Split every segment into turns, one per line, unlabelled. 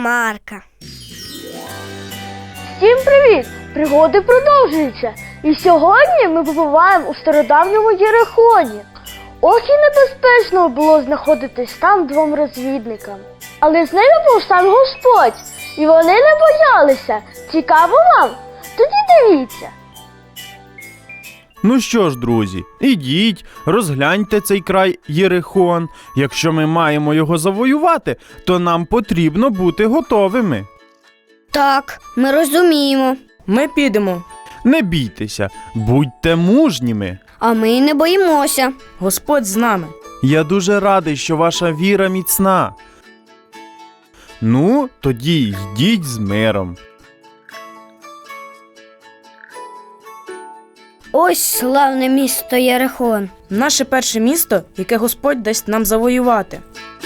Марка.
Всім привіт! Пригоди продовжуються. І сьогодні ми побуваємо у стародавньому Єрихоні. Ох і небезпечно було знаходитись там двом розвідникам. Але з ними був сам Господь, і вони не боялися. Цікаво вам? Тоді дивіться.
Ну що ж, друзі, ідіть, розгляньте цей край Єрихон. Якщо ми маємо його завоювати, то нам потрібно бути готовими.
Так, ми розуміємо.
Ми підемо.
Не бійтеся, будьте мужніми.
А ми й не боїмося.
Господь з нами.
Я дуже радий, що ваша віра міцна. Ну, тоді йдіть з миром.
Ось славне місто Єрихон.
Наше перше місто, яке Господь дасть нам завоювати.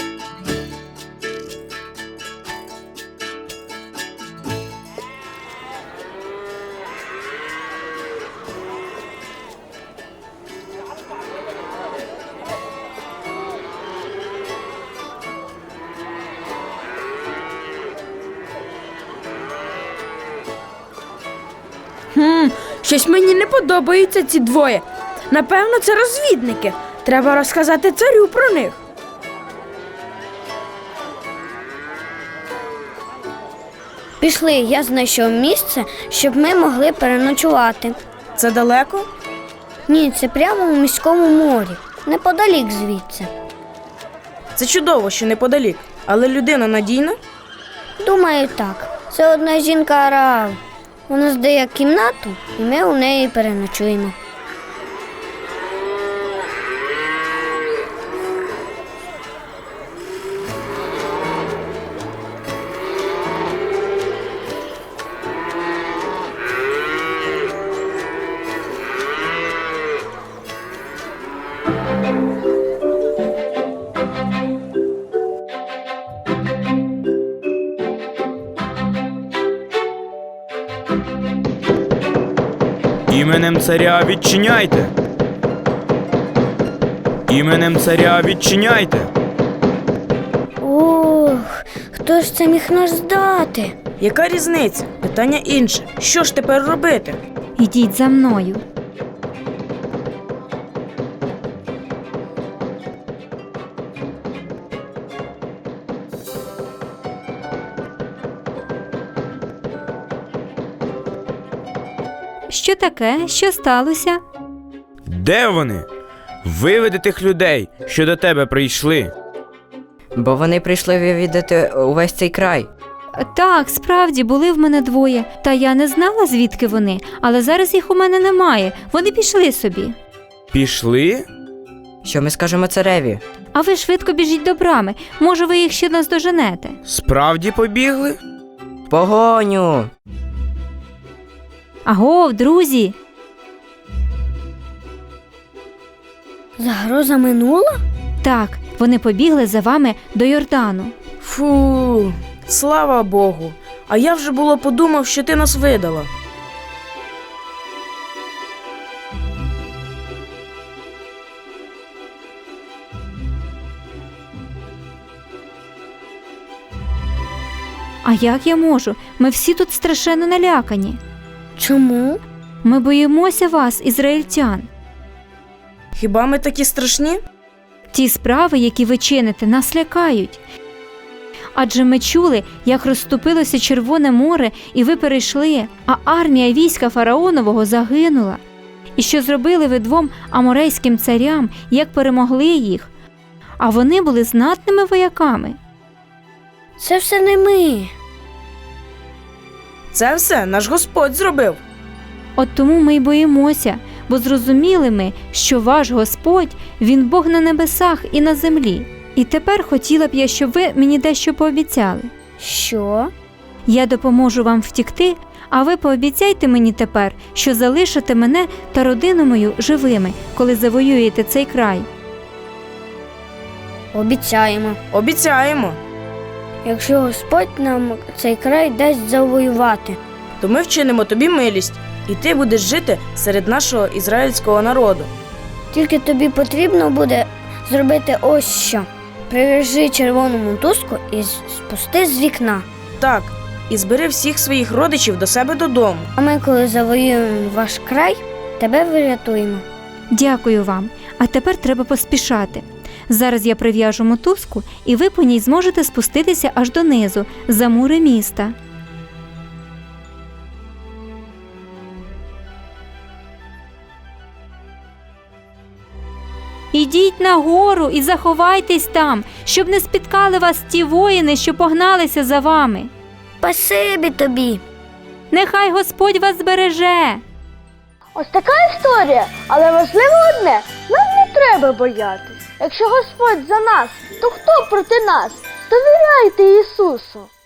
Щось мені не подобаються ці двоє. Напевно, це розвідники. Треба розказати царю про них.
Пішли, я знайшов місце, щоб ми могли переночувати.
Це далеко?
Ні, це прямо у міському морі, неподалік звідси.
Це чудово, що неподалік. Але людина надійна?
Думаю, так. Це одна жінка Араал. Вона здає кімнату, і ми у неї переночуємо.
Іменем царя відчиняйте! Іменем царя відчиняйте!
Ох, хто ж це міг нас здати?
Яка різниця? Питання інше. Що ж тепер робити?
Ідіть за мною. Що таке? Що сталося?
Де вони? Виведи тих людей, що до тебе прийшли.
Бо вони прийшли вивідати увесь цей край.
Так, справді, були в мене двоє. Та я не знала, звідки вони, але зараз їх у мене немає. Вони пішли собі.
Пішли?
Що ми скажемо цареві?
А ви швидко біжіть до брами. Може, ви їх ще наздоженете.
Справді побігли?
Погоню!
Агов, друзі!
Загроза минула?
Так, вони побігли за вами до Йордану.
Фу, слава Богу. А я вже було подумав, що ти нас видала.
А як я можу? Ми всі тут страшенно налякані.
Чому?
Ми боїмося вас, ізраїльтян.
Хіба ми такі страшні?
Ті справи, які ви чините, нас лякають. Адже ми чули, як розступилося Червоне море, і ви перейшли, а армія війська фараонового загинула. І що зробили ви двом аморейським царям, як перемогли їх? А вони були знатними вояками.
Це все не ми.
Це все наш Господь зробив.
От тому ми й боїмося, бо зрозуміли ми, що ваш Господь, Він Бог на небесах і на землі. І тепер хотіла б я, щоб ви мені дещо пообіцяли.
Що?
Я допоможу вам втікти, а ви пообіцяйте мені тепер, що залишите мене та родину мою живими, коли завоюєте цей край.
Обіцяємо.
Обіцяємо.
Якщо Господь нам цей край дасть завоювати.
То ми вчинимо тобі милість, і ти будеш жити серед нашого ізраїльського народу.
Тільки тобі потрібно буде зробити ось що. Прив'яжи червону мотузку і спусти з вікна.
Так, і збери всіх своїх родичів до себе додому.
А ми, коли завоюємо ваш край, тебе врятуємо.
Дякую вам. А тепер треба поспішати. Зараз я прив'яжу мотузку, і ви по ній зможете спуститися аж донизу, за мури міста. Ідіть нагору і заховайтесь там, щоб не спіткали вас ті воїни, що погналися за вами.
Спасибі тобі.
Нехай Господь вас збереже.
Ось така історія, але важливо одне, нам не треба боятись. Якщо Господь за нас, то хто проти нас? Довіряйте Ісусу.